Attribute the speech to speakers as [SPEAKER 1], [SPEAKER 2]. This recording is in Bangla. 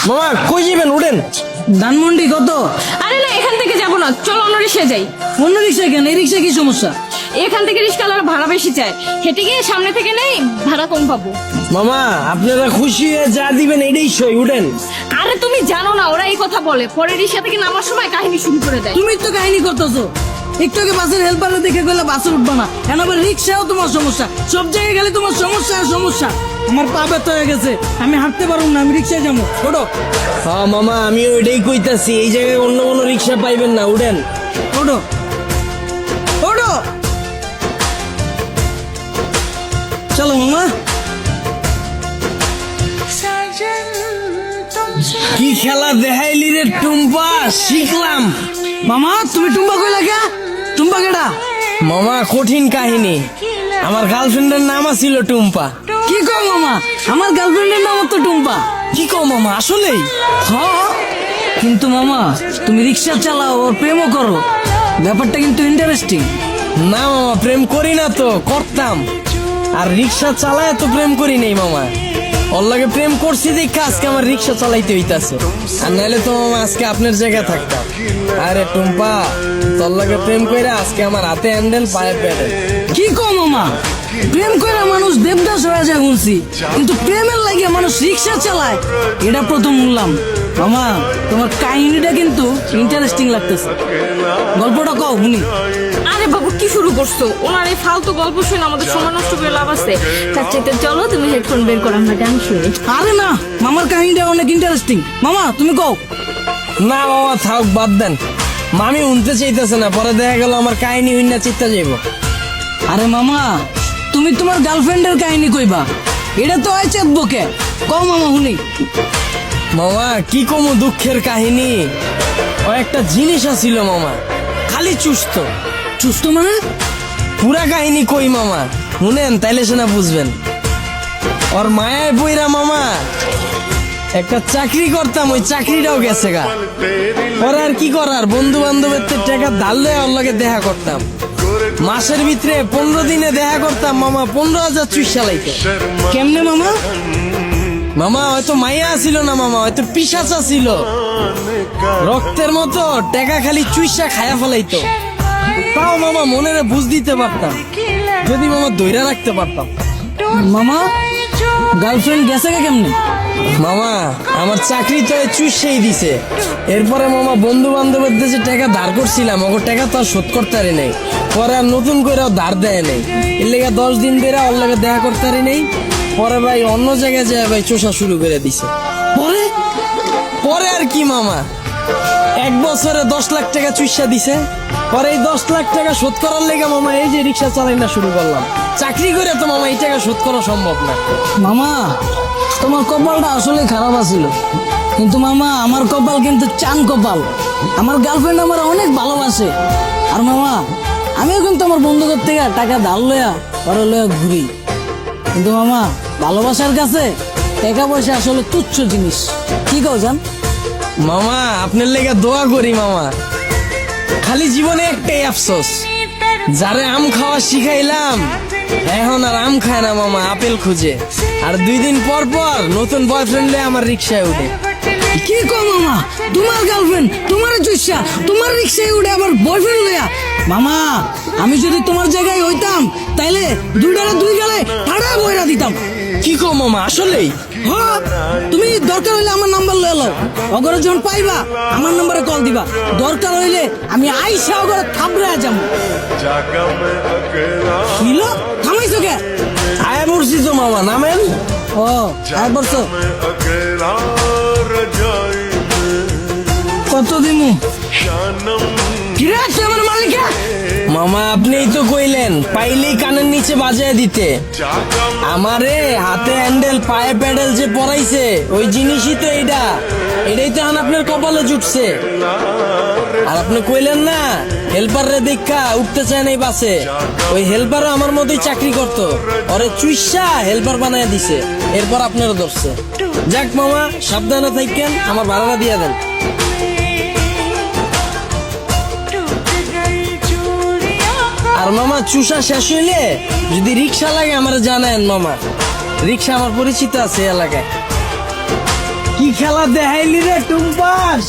[SPEAKER 1] মামা কই যাবেন? উঠেন।
[SPEAKER 2] ধানমন্ডি কত?
[SPEAKER 3] আরে না, এখান থেকে যাবো না, চলো অন্য রিক্সায় যাই।
[SPEAKER 2] অন্য রিক্সায় কেন? এই রিক্সায় কি সমস্যা?
[SPEAKER 3] এখান থেকে রিক্সাওয়ালার ভাড়া বেশি চায়, হেঁটে গিয়ে সামনে থেকে নেই, ভাড়া কম পাবো।
[SPEAKER 1] মামা আপনারা খুশি হয়ে যা দিবেন এটাই সই। উঠেন।
[SPEAKER 3] আরে তুমি জানো না, ওরা এই কথা বলে, পরে রিক্সা থেকে নামার সময় কাহিনী শুরু করে দেয়।
[SPEAKER 2] তুমি তো কাহিনী করতেছো। একটু আগে বাসের হেল্পারে দেখে গেলে বাসে উঠবা না, এখন আবার রিক্সাও তোমার সমস্যা। সব জায়গায় গেলে তোমার সমস্যা আর সমস্যা। আমার পা ব্যথা হয়ে গেছে, আমি হাঁটতে পারবো না, আমি রিক্সায় যাবো। ওঠো
[SPEAKER 1] হ্যাঁ মামা, আমি ওইটাই কইতাছি, এই জায়গায় অন্য কোনো রিক্সা পাইবেন না। উঠেন।
[SPEAKER 2] ওঠো ওঠো, চলো মামা।
[SPEAKER 1] কি খেলা দেখাইলি রে টুম্পা, শিখলাম।
[SPEAKER 2] মামা তুমি টুম্বা কইলা কে? টুম্বা কেডা?
[SPEAKER 1] মামা কঠিন কাহিনী, আমার গার্লফ্রেন্ডের নাম ছিল টুম্পা।
[SPEAKER 2] কি কও মামা? আমার গার্লফ্রেন্ডের নাম তো টুম্পা।
[SPEAKER 1] কি কও মামা, আসলেই?
[SPEAKER 2] হ্যাঁ, কিন্তু মামা তুমি রিক্সা চালাও আর প্রেমও করো, ব্যাপারটা কিন্তু ইন্টারেস্টিং।
[SPEAKER 1] না মামা, প্রেম করি না তো, করতাম। আর রিক্সা চালায় তো প্রেম করি নাই মামা। ওর লাগে প্রেম করছি দেখা আজকে আমার রিক্সা চালাইতে হইতাছে, আর নাহলে তো মামা আজকে আপনার জায়গায় থাকতাম। আরে টুম্পা, তোর লাগে প্রেম কইরা আজকে আমার হাতে হ্যান্ডেল পায়ে প্যাডেল।
[SPEAKER 2] কি কও মামা? প্রেম করে মানুষ দেবদাস হয়ে যায় শুনছি, কিন্তু প্রেমের লাগে মানুষ রিক্সা চালায় এটা প্রথম শুনলাম। মামা তোমার কাহিনীটা কিন্তু ইন্টারেস্টিং লাগতেছে, গল্পটা কও শুনি।
[SPEAKER 3] আরে বাবু কি শুরু করছো? ওনার এই ফালতু গল্প শুনে আমাদের সময় নষ্ট করে লাভ আছে। তার চাইতে চলো তুমি হেডফোন বের করো, আমরা গান শুনি।
[SPEAKER 2] আরে না, মামার কাহিনীটা অনেক ইন্টারেস্টিং। মামা তুমি কও।
[SPEAKER 1] না মামা থাক, বাদ দেন। মামি উনতে চাইতেছে না, পরে দেখা গেল আমার কাহিনী হইনা চিত্তা যাইব।
[SPEAKER 2] আরে মামা তুমি তোমার গার্লফ্রেন্ডের কাহিনী কইবা, এটা তো হয় চেতবকে। কও মামা শুনি।
[SPEAKER 1] মামা কি কমু দুঃখের কাহিনী, ও একটা জিনিস আছিল মামা, খালি চুস্ত।
[SPEAKER 2] সুস্থ মানে?
[SPEAKER 1] পুরা কাহিনী কই মামা, শুনেন তাইলে সেনা বুঝবেন। ওর মায়ায় বইরা মামা একটা চাকরি করতাম, ওই চাকরিটাও গেছে গা। ওর আর কি করার, বন্ধু বান্ধবের টাকা ধার লয়ে ওর লগে দেখা করতাম। মাসের ভিতরে 15 দিনে দেখা করতাম মামা, 15,000 চুইসা লাইতো।
[SPEAKER 2] কেমনে মামা?
[SPEAKER 1] মামা হয়তো মাইয়া ছিল না মামা, হয়তো পিশাচা ছিল, রক্তের মতো টাকা খালি চুইসা খায়া ফেলাইতো। তাও মামা মনের বুঝ দিতে পারতাম, যদি মামা দইরা রাখতে পারতাম।
[SPEAKER 2] মামা গার্লফ্রেন্ড গেছে কে কেমনে?
[SPEAKER 1] মামা আমার চাকরি তো চুষেই দিছে। এরপরে মামা বন্ধু বান্ধবের যে টাকা ধার করছিলাম, ওর টাকা তো আর শোধ করতে পারি নাই। পরে আর নতুন করে ধার দেয় নাই, এর লেগে 10 দিন ধরে ওর লাগে দেখা করতে পারি নাই। পরে ভাই অন্য জায়গায় যায় ভাই চোষা শুরু করে দিছে।
[SPEAKER 2] পরে
[SPEAKER 1] পরে আর কি মামা, 1 বছরে 10 লাখ টাকা চুষা দিছে। পরে এই 10 লাখ টাকা শোধ করার লেগে মামা এই যে রিক্সা চালাই না শুরু করলাম। চাকরি করে তো মামা এই টাকা শোধ করা সম্ভব না।
[SPEAKER 2] মামা তোমার কপালটা আসলে খারাপ আছিল, কিন্তু মামা আমার কপাল কিন্তু চান কপাল। আমার গার্লফ্রেন্ড আমার অনেক ভালোবাসে। আর মামা আমিও কিন্তু আমার বন্ধুদের থেকে টাকা ধার লয়া পরে লয়া ঘুরি, কিন্তু মামা ভালোবাসার কাছে টাকা পয়সা আসলে তুচ্ছ জিনিস। কি কও জান?
[SPEAKER 1] মামা আপনার লেগে দোয়া করি মামা, খালি জীবনে একটাই আফসোস, যারে আম খাওয়া শিখাইলাম এখন আর আম খায় না মামা, আপেল খুঁজে। আর 2 দিন পর পর নতুন বয়ফ্রেন্ড লয়ে আমার রিক্সায় উঠে।
[SPEAKER 2] কি কও মামা? তোমার গার্লফ্রেন্ড তোমার চুষা তোমার রিক্সায় উঠে আবার বয়ফ্রেন্ড লয়া? মামা আমি যদি তোমার জায়গায় হইতাম তাইলে 2 গালে ঠাড়া বইরা দিতাম।
[SPEAKER 1] কি কো মামা, আসলেই?
[SPEAKER 2] হ্যাঁ, তুমি দরকার হইলে আমার নাম্বার লয়ে লও, অগরে যখন পাইবা আমার নম্বরে কল দিবা। দরকার হইলে আমি আইসা অগরে থাবড়ে যাম। কিলো থামাইছো কে?
[SPEAKER 1] আয়া পড়ছি তো মামা, নামেন।
[SPEAKER 2] ও আর বলছো কত দিমু? কিরে তুই আমার মালিকা?
[SPEAKER 1] মামা আপনিই তো কইলেন পাইলেই কানের নিচে বাজায় দিতে। আমারে হাতে হ্যান্ডেল পায়ে প্যাডেল যে পরাইছে ওই জিনিসই তো এইটা, এটাই তো এখন আপনার কপালে জুটছে। আর আপনি কইলেন না হেল্পার রে দেখা উঠতে চায় নাই বাসে, ওই হেল্পারও আমার মতোই চাকরি করতো, ওরে চুইসা হেল্পার বানায় দিছে, এরপর আপনারও ধরছে। যাক মামা সাবধানে থাকেন, আমার ভাড়াটা দিয়ে দেন। আর মামা চুষা শেষ হইলে যদি রিক্সা লাগে আমার জানেন মামা, রিক্সা আমার পরিচিত আছে এলাকায়। কি খেলা দেখাইলি রে টুম্পান।